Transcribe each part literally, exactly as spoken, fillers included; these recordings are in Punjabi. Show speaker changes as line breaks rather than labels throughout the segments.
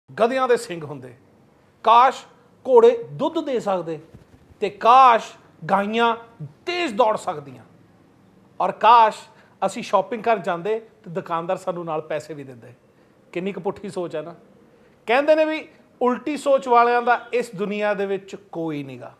ਗਧਿਆਂ ਦੇ ਸਿੰਘ ਹੁੰਦੇ, ਕਾਸ਼ ਘੋੜੇ ਦੁੱਧ ਦੇ ਸਕਦੇ ਤੇ ਕਾਸ਼ ਗਾਈਆਂ ਤੇਜ਼ ਦੌੜ ਸਕਦੀਆਂ, ਔਰ ਕਾਸ਼ ਅਸੀਂ ਸ਼ਾਪਿੰਗ ਕਰਨ ਜਾਂਦੇ ਤੇ ਦੁਕਾਨਦਾਰ ਸਾਨੂੰ ਨਾਲ ਪੈਸੇ ਵੀ ਦਿੰਦੇ। ਕਿੰਨੀ ਕੁ ਪੁੱਠੀ ਸੋਚ ਹੈ ਨਾ। ਕਹਿੰਦੇ ਨੇ ਵੀ ਉਲਟੀ ਸੋਚ ਵਾਲਿਆਂ ਦਾ ਇਸ ਦੁਨੀਆ ਦੇ ਵਿੱਚ ਕੋਈ ਨਹੀਂਗਾ,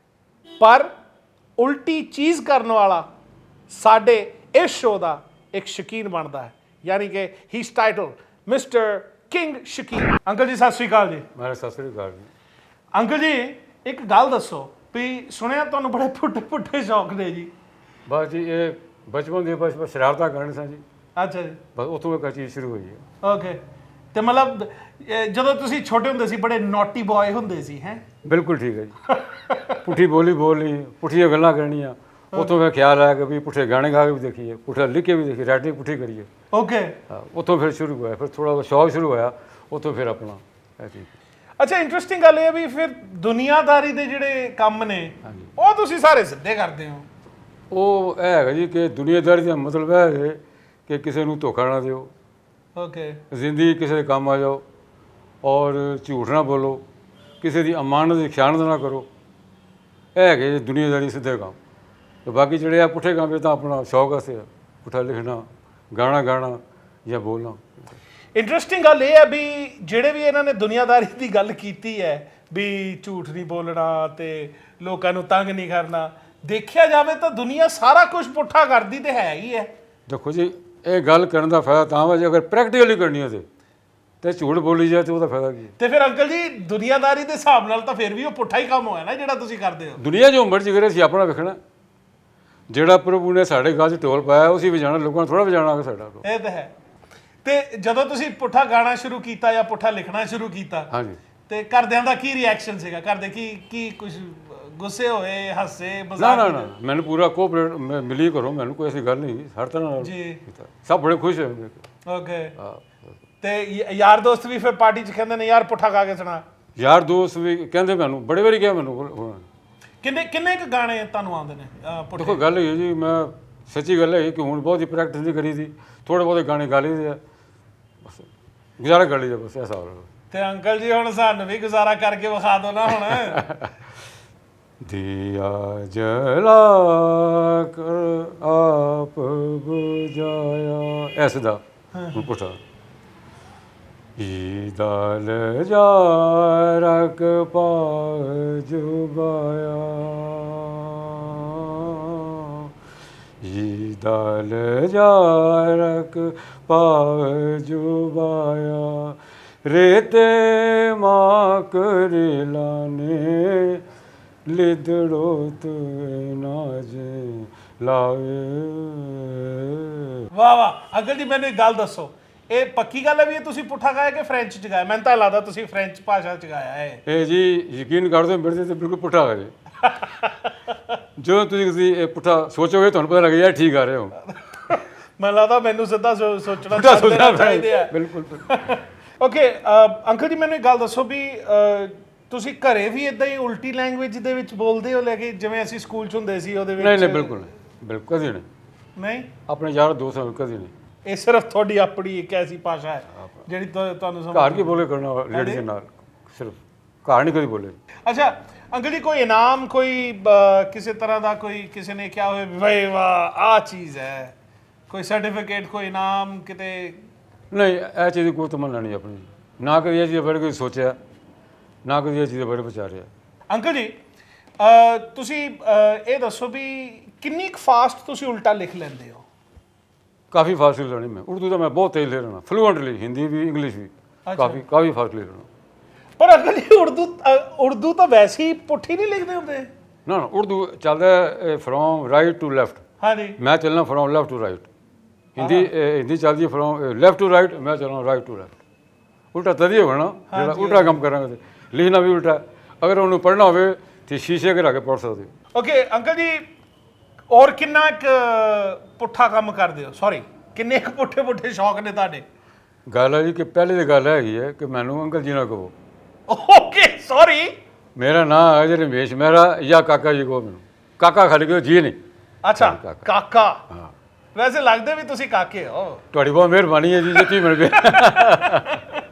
ਪਰ ਉਲਟੀ ਚੀਜ਼ ਕਰਨ ਵਾਲਾ ਸਾਡੇ ਇਸ ਸ਼ੋਅ ਦਾ ਇੱਕ ਸ਼ੌਕੀਨ ਬਣਦਾ ਹੈ, ਯਾਨੀ ਕਿ he is title mister king ਸ਼ੌਕੀਨ। ਅੰਕਲ ਜੀ ਸਤਿ ਸ਼੍ਰੀ ਅਕਾਲ ਜੀ।
ਮੈਂ ਸਤਿ ਸ਼੍ਰੀ ਅਕਾਲ ਜੀ।
ਅੰਕਲ ਜੀ ਇੱਕ ਗੱਲ ਦੱਸੋ ਵੀ ਸੁਣਿਆ ਤੁਹਾਨੂੰ ਬੜੇ ਪੁੱਠੇ ਪੁੱਠੇ ਸ਼ੌਕ ਨੇ ਜੀ।
ਬਸ ਜੀ ਇਹ ਬਚਪਨ ਦੀ ਬਸ ਬਸ ਸ਼ਰਾਰਤਾਂ ਕਰਨ ਸਾਂ ਜੀ।
ਅੱਛਾ ਜੀ।
ਬਸ ਉੱਥੋਂ ਇੱਕ ਚੀਜ਼ ਸ਼ੁਰੂ ਹੋਈ ਹੈ।
ਓਕੇ, ਤੇ ਮਤਲਬ ਇਹ ਜਦੋਂ ਤੁਸੀਂ ਛੋਟੇ ਹੁੰਦੇ ਸੀ ਬੜੇ ਨੌਟੀ ਬॉय ਹੁੰਦੇ ਸੀ ਹੈ?
ਬਿਲਕੁਲ ਠੀਕ ਹੈ ਜੀ। ਪੁੱਠੀ ਬੋਲੀ ਬੋਲਣੀ, ਪੁੱਠੀਆਂ ਗੱਲਾਂ ਕਰਨੀਆਂ, ਉੱਥੋਂ ਫਿਰ ਖਿਆਲ ਆਇਆ ਕਿ ਵੀ ਪੁੱਠੇ ਗਾਣੇ ਗਾ ਕੇ ਵੀ ਦੇਖੀਏ, ਪੁੱਠਾ ਲਿਖ ਕੇ ਵੀ ਦੇਖੀਏ, ਰਾਈਟਿੰਗ ਪੁੱਠੀ ਕਰੀਏ।
ਓਕੇ,
ਹਾਂ, ਉੱਥੋਂ ਫਿਰ ਸ਼ੁਰੂ ਹੋਇਆ, ਫਿਰ ਥੋੜਾ ਸ਼ੌਕ ਸ਼ੁਰੂ ਹੋਇਆ, ਉੱਥੋਂ ਫਿਰ ਆਪਣਾ ਇਹ ਚੀਜ਼।
ਅੱਛਾ, ਇੰਟਰਸਟਿੰਗ ਗੱਲ ਇਹ ਹੈ ਵੀ ਫਿਰ ਦੁਨੀਆਦਾਰੀ ਦੇ ਜਿਹੜੇ ਕੰਮ ਨੇ ਉਹ ਤੁਸੀਂ ਸਾਰੇ ਸਿੱਧੇ ਕਰਦੇ ਹੋ।
ਉਹ ਇਹ ਹੈਗਾ ਜੀ ਕਿ ਦੁਨੀਆਦਾਰੀ ਦਾ ਮਤਲਬ ਇਹ ਹੈ ਕਿ ਕਿਸੇ ਨੂੰ ਧੋਖਾ ਨਾ ਦਿਓ,
ਓਕੇ,
ਜ਼ਿੰਦਗੀ ਕਿਸੇ ਦੇ ਕੰਮ ਆ ਜਾਓ, ਔਰ ਝੂਠ ਨਾ ਬੋਲੋ, ਕਿਸੇ ਦੀ ਅਮਾਨਤ ਦੀ ਖਿਆਨਤ ਨਾ ਕਰੋ। ਇਹ ਹੈਗੇ ਜੀ ਦੁਨੀਆਦਾਰੀ ਸਿੱਧੇ ਕੰਮ। ਤੇ ਬਾਕੀ ਜਿਹੜੇ ਆ ਪੁੱਠੇ ਕੰਮ ਇਹ ਤਾਂ ਆਪਣਾ ਸ਼ੌਕ ਵਾਸਤੇ ਆ, ਪੁੱਠਾ ਲਿਖਣਾ, ਗਾਣਾ ਗਾਣਾ ਜਾਂ ਬੋਲਣਾ।
ਇੰਟਰਸਟਿੰਗ ਗੱਲ ਇਹ ਹੈ ਵੀ ਜਿਹੜੇ ਵੀ ਇਹਨਾਂ ਨੇ ਦੁਨੀਆਦਾਰੀ ਦੀ ਗੱਲ ਕੀਤੀ ਹੈ ਵੀ ਝੂਠ ਨਹੀਂ ਬੋਲਣਾ ਤੇ ਲੋਕਾਂ ਨੂੰ ਤੰਗ ਨਹੀਂ ਕਰਨਾ, ਦੇਖਿਆ ਜਾਵੇ ਤਾਂ ਦੁਨੀਆ ਸਾਰਾ ਕੁਝ ਪੁੱਠਾ ਕਰਦੀ ਤੇ ਹੈ ਹੀ ਹੈ।
ਦੇਖੋ ਜੀ ਇਹ ਗੱਲ ਕਰਨ ਦਾ ਫਾਇਦਾ ਤਾਂ ਵਾ ਜੇ ਅਗਰ ਪ੍ਰੈਕਟੀਕਲੀ ਕਰਨੀ ਹੋਵੇ ਤੇ ਝੂਠ ਬੋਲੀ ਜਾਏ ਤੇ ਉਹਦਾ ਫਾਇਦਾ ਕੀ ਹੈ?
ਤੇ ਫਿਰ ਅੰਕਲ ਜੀ ਦੁਨੀਆਦਾਰੀ ਦੇ ਹਿਸਾਬ ਨਾਲ ਤਾਂ ਫਿਰ ਵੀ ਉਹ ਪੁੱਠਾ ਹੀ ਕੰਮ ਹੋਇਆ ਨਾ ਜਿਹੜਾ ਤੁਸੀਂ ਕਰਦੇ ਹੋ।
ਦੁਨੀਆ ਜੋ ਮਰਜ਼ੀ ਕਰੇ ਅਸੀਂ ਆਪਣਾ ਵੇਖਣਾ, ਜਿਹੜਾ ਪ੍ਰਭੂ ਨੇ ਸਾਡੇ ਗਾਲ 'ਚ ਢੋਲ ਪਾਇਆ ਉਸੇ ਵਜਾਣਾ, ਲੋਕਾਂ ਨੂੰ ਥੋੜਾ ਵਜਾਣਾ ਆ ਸਾਡਾ।
ਇਹ ਤਾਂ ਹੈ। ਤੇ ਜਦੋਂ ਤੁਸੀਂ ਪੁੱਠਾ ਗਾਣਾ ਸ਼ੁਰੂ ਕੀਤਾ ਜਾਂ ਪੁੱਠਾ ਲਿਖਣਾ ਸ਼ੁਰੂ ਕੀਤਾ,
ਹਾਂਜੀ,
ਤੇ ਘਰਦਿਆਂ ਦਾ ਕੀ ਰਿਐਕਸ਼ਨ ਸੀਗਾ? ਘਰਦੇ ਕੀ ਕੀ ਕੁਝ ਗੁੱਸੇ ਹੋਏ, ਹੱਸੇ,
ਨਾ
ਮਜ਼ਾਕ
ਨਾ ਨਾ ਮੈਨੂੰ ਪੂਰਾ ਕੋਆਪਰੇਟ ਮੈਂ ਮਿਲੀ ਕਰੋ, ਮੈਨੂੰ ਕੋਈ ਐਸੀ ਗੱਲ ਨਹੀਂ, ਹਰ ਤਰ੍ਹਾਂ ਨਾਲ
ਜੀ,
ਕੀਤਾ। ਸਭ ਬੜੇ ਖੁਸ਼ ਹੋਏ।
ਓਕੇ।
ਹਾਂ,
ਤੇ ਯ- ਯਾਰ ਦੋਸਤ ਵੀ ਫਿਰ ਪਾਰਟੀ 'ਚ ਕਹਿੰਦੇ ਨੇ ਯਾਰ ਪੁੱਠਾ ਗਾ ਕੇ ਸੁਣਾ।
ਯਾਰ ਦੋਸਤ ਵੀ ਕਹਿੰਦੇ ਮੈਨੂੰ, ਬੜੇ ਵਾਰੀ ਕਿਹਾ ਮੈਨੂੰ। ਹੁਣ
ਕਿੰਨੇ ਕਿੰਨੇ ਕੁ ਗਾਣੇ ਤੁਹਾਨੂੰ ਆਉਂਦੇ ਨੇ ਅਹ, ਪੁੱਠੇ?
ਦੇਖੋ ਗੱਲ ਇਹ ਜੀ, ਮੈਂ ਸੱਚੀ ਗੱਲ ਹੈ ਕਿ ਹੁਣ ਬਹੁਤ ਹੀ ਪ੍ਰੈਕਟਿਸ ਨਹੀਂ ਕਰੀ ਸੀ, ਥੋੜੇ ਬਹੁਤੇ ਗਾਣੇ ਗਾ ਲਈਦੇ ਆ, ਬਸ ਗੁਜ਼ਾਰਾ ਕਰ ਲਈਦਾ, ਬਸ ਐਸਾ ਹੋ।
ਤੇ ਅੰਕਲ ਜੀ ਹੁਣ ਸਾਨੂੰ ਵੀ ਗੁਜ਼ਾਰਾ ਕਰਕੇ ਵਿਖਾ ਦਿਓ ਨਾ ਹੁਣ।
दिया जला कर आप बुझाया ऐसे दा ਹੁਣ ਪੁੱਠਾ ਈਦਲ ਜਾ ਰਕ ਪਾ ਜੁਬਾਇਆ, ਈਦਲ ਜਾ ਰਕ ਪਾ ਜੁਬਾਇਆ, ਰੇਤੇ ਮਾਂ ਕਰੀਲਾ ਨੇ ਲਿਦੜੋ ਤੇ ਨਾਜੇ ਲਾਵੇ।
ਵਾਹ ਵਾਹ ਅੰਕਲ ਜੀ, ਮੈਨੂੰ ਇੱਕ ਗੱਲ ਦੱਸੋ, ਇਹ ਪੱਕੀ ਗੱਲ ਹੈ ਵੀ ਇਹ ਤੁਸੀਂ ਪੁੱਠਾ ਗਾਇਆ ਕਿ ਫ੍ਰੈਂਚ 'ਚ ਗਾਇਆ? ਮੈਨੂੰ ਤਾਂ ਲੱਗਦਾ ਤੁਸੀਂ ਫ੍ਰੈਂਚ ਭਾਸ਼ਾ 'ਚ ਗਾਇਆ ਹੈ।
ਇਹ ਜੀ ਯਕੀਨ ਕਰ ਦਿਓ ਮੇਰੇ ਤੇ ਬਿਲਕੁਲ ਪੁੱਠਾ ਹੈ ਜੀ। ਜਦੋਂ ਤੁਸੀਂ ਤੁਸੀਂ ਇਹ ਪੁੱਠਾ ਸੋਚੋਗੇ ਤੁਹਾਨੂੰ ਪਤਾ ਲੱਗ ਜਾਏ ਠੀਕ ਆ ਰਹੇ ਹੋ।
ਮੈਨੂੰ ਲੱਗਦਾ ਮੈਨੂੰ ਸਿੱਧਾ ਸੋ- ਸੋਚਣਾ
ਪੁੱਠਾ
ਛੱਡ ਦੇਣਾ
ਸੋਚਣਾ
ਚਾਹੀਦਾ ਹੈ।
ਬਿਲਕੁਲ।
ਓਕੇ ਅੰਕਲ ਜੀ, ਮੈਨੂੰ ਇੱਕ ਗੱਲ ਦੱਸੋ ਵੀ ਅਹ, ਤੁਸੀਂ ਘਰੇ ਵੀ ਇਦਾਂ ਹੀ ਉਲਟੀ ਲੈਂਗੁਏਜ ਦੇ ਵਿੱਚ ਬੋਲਦੇ ਹੋ, ਲੈ ਕੇ ਜਿਵੇਂ ਅਸੀਂ ਸਕੂਲ 'ਚ ਹੁੰਦੇ ਸੀ ਉਹਦੇ ਵਿੱਚ?
ਨਹੀਂ ਨਹੀਂ ਬਿਲਕੁਲ ਨਹੀਂ, ਬਿਲਕੁਲ ਕਦੇ ਨਹੀਂ।
ਨਹੀਂ,
ਆਪਣੇ ਯਾਰ ਦੋਸਤ ਨਾਲ ਕਦੇ ਨਹੀਂ।
ਇਹ ਸਿਰਫ ਤੁਹਾਡੀ ਆਪਣੀ ਇੱਕ ਐਸੀ ਭਾਸ਼ਾ ਹੈ ਜਿਹੜੀ ਤੁਹਾ- ਤੁਹਾਨੂੰ ਸਮਝ।
ਘਰ ਕੀ ਬੋਲੇ ਕਰਨਾ ਲੇਡੀਜ਼ ਦੇ ਨਾਲ, ਸਿਰਫ ਘਰ ਨਹੀਂ ਕਦੀ ਬੋਲੇ।
ਅੱਛਾ ਅੰਕਲ ਜੀ, ਕੋਈ ਇਨਾਮ, ਕੋਈ ਅਹ, ਕਿਸੇ ਤਰ੍ਹਾਂ ਦਾ ਕੋਈ ਕਿਸੇ ਨੇ ਕਿਹਾ ਹੋਵੇ ਵਾਹ ਵਾਹ ਆ ਚੀਜ਼ ਹੈ, ਕੋਈ ਸਰਟੀਫਿਕੇਟ, ਕੋਈ ਇਨਾਮ ਕਿਤੇ?
ਨਹੀਂ ਇਹ ਚੀਜ਼ ਦੀ ਕੋਈ ਤਮੰਨਾ ਨਹੀਂ ਆਪਣੀ, ਨਾ ਕਦੀ ਇਹ ਚੀਜ਼ ਬਾਰੇ ਕੋਈ ਸੋਚਿਆ, ਨਾ ਕਦੀ ਇਹ ਚੀਜ਼ ਦੇ ਬਾਰੇ ਵਿਚਾਰਿਆ।
ਅੰਕਲ ਜੀ ਅਹ, ਤੁਸੀਂ ਅਹ, ਇਹ ਦੱਸੋ ਵੀ ਕਿੰਨੀ ਕੁ ਫਾਸਟ ਤੁਸੀਂ ਉਲਟਾ ਲਿਖ ਲੈਂਦੇ ਹੋ?
ਕਾਫੀ ਫਾਸਟ ਲਿਖ ਲੈਣੀ ਮੈਂ, ਉਰਦੂ ਤਾਂ ਮੈਂ ਬਹੁਤ ਤੇਜ਼ ਲਿਖ ਲੈਣਾ, ਫਲੂਐਂਟਲੀ, ਹਿੰਦੀ ਵੀ ਇੰਗਲਿਸ਼ ਵੀ ਕਾਫੀ ਕਾਫੀ ਫਾਸਟ ਲਿਖ ਲੈਣਾ।
ਪਰ ਅੰਕਲ ਜੀ ਉਰਦੂ ਅਹ, ਉਰਦੂ ਤਾਂ ਵੈਸੇ ਹੀ ਪੁੱਠੀ ਨਹੀਂ ਲਿਖਦੇ ਹੁੰਦੇ।
ਨਾ ਨਾ ਉਰਦੂ ਚੱਲਦਾ ਫਰੋਮ ਰਾਈਟ ਟੂ ਲੈਫਟ,
ਹਾਂਜੀ,
ਮੈਂ ਚੱਲਣਾ from left to right. Hindi ਇਹ ਹਿੰਦੀ ਚੱਲਦੀ ਹੈ ਫਰੋਮ ਲੈਫਟ ਟੂ ਰਾਈਟ, ਮੈਂ ਚੱਲਣਾ ਰਾਈਟ ਟੂ ਲੈਫਟ। ਉਲਟਾ ਤਦੀ ਹੋਣਾ ਜਿਹੜਾ ਉਲਟਾ ਕੰਮ ਕਰਾਂਗੇ, ਲਿਖਣਾ ਵੀ ਉਲਟਾ। ਅਗਰ ਉਹਨੂੰ ਪੜ੍ਹਨਾ ਹੋਵੇ ਤੇ ਸ਼ੀਸ਼ੇ ਅੱਗੇ ਰੱਖ ਕੇ ਪੜ੍ਹ ਸਕਦੇ ਹੋ।
ਓਕੇ ਅੰਕਲ ਜੀ, ਔਰ ਕਿੰਨਾ ਕੁ ਪੁੱਠਾ ਕੰਮ ਕਰਦੇ ਹੋ? ਸੌਰੀ, ਕਿੰਨੇ ਕੁ ਪੁੱਠੇ ਪੁੱਠੇ ਸ਼ੌਕ ਨੇ ਤੁਹਾਡੇ?
ਗੱਲ ਹੈ ਜੀ ਕਿ ਪਹਿਲੇ ਦੀ ਗੱਲ ਹੈਗੀ ਹੈ ਕਿ ਮੈਨੂੰ ਅੰਕਲ ਜੀ ਨਾ ਕਹੋ।
ਓਕੇ ਸੌਰੀ,
ਮੇਰਾ ਨਾਂ ਹੈ ਜੀ ਰਮੇਸ਼ ਮਹਿਰਾ ਜਾਂ ਕਾਕਾ ਜੀ ਕਹੋ ਮੈਨੂੰ। ਕਾਕਾ ਖੜ ਕੇ ਜੀ ਨਹੀਂ।
ਅੱਛਾ ਕਾਕਾ।
ਹਾਂ,
ਵੈਸੇ ਲੱਗਦੇ ਵੀ ਤੁਸੀਂ ਕਾਕੇ ਹੋ।
ਤੁਹਾਡੀ ਬਹੁਤ ਮਿਹਰਬਾਨੀ ਹੈ ਜੀ ਜੇ ਤੁਸੀਂ ਮਿਲ ਗਏ।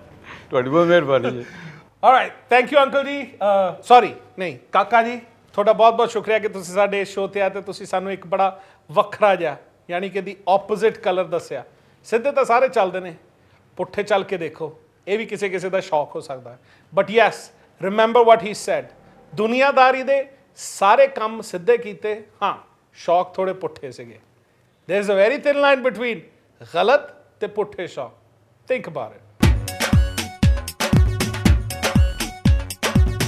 ਤੁਹਾਡੀ ਬਹੁਤ ਮਿਹਰਬਾਨੀ ਜੀ।
Alright, thank you uncle ji, sorry ਨਹੀਂ ਕਾਕਾ ਜੀ, ਤੁਹਾਡਾ ਬਹੁਤ ਬਹੁਤ ਸ਼ੁਕਰੀਆ ਕਿ ਤੁਸੀਂ ਸਾਡੇ ਇਸ ਸ਼ੋਅ ਤੇ ਆਏ ਤੇ ਤੁਸੀਂ ਸਾਨੂੰ ਇੱਕ ਬੜਾ ਵੱਖਰਾ ਜਿਹਾ ਯਾਨੀ ਕਿ ਦੀ ਆਪੋਜ਼ਿਟ ਕਲਰ ਦੱਸਿਆ। ਸਿੱਧੇ ਤਾਂ ਸਾਰੇ ਚੱਲਦੇ ਨੇ, ਪੁੱਠੇ ਚੱਲ ਕੇ ਦੇਖੋ, ਇਹ ਵੀ ਕਿਸੇ ਕਿਸੇ ਦਾ ਸ਼ੌਕ ਹੋ ਸਕਦਾ ਹੈ। But yes, remember what he said, ਦੁਨੀਆਦਾਰੀ ਦੇ ਸਾਰੇ ਕੰਮ ਸਿੱਧੇ ਕੀਤੇ, ਹਾਂ ਸ਼ੌਕ ਥੋੜੇ ਪੁੱਠੇ ਸੀਗੇ। There is a very thin line between गलत ते पुट्ठे शौक। Think about it.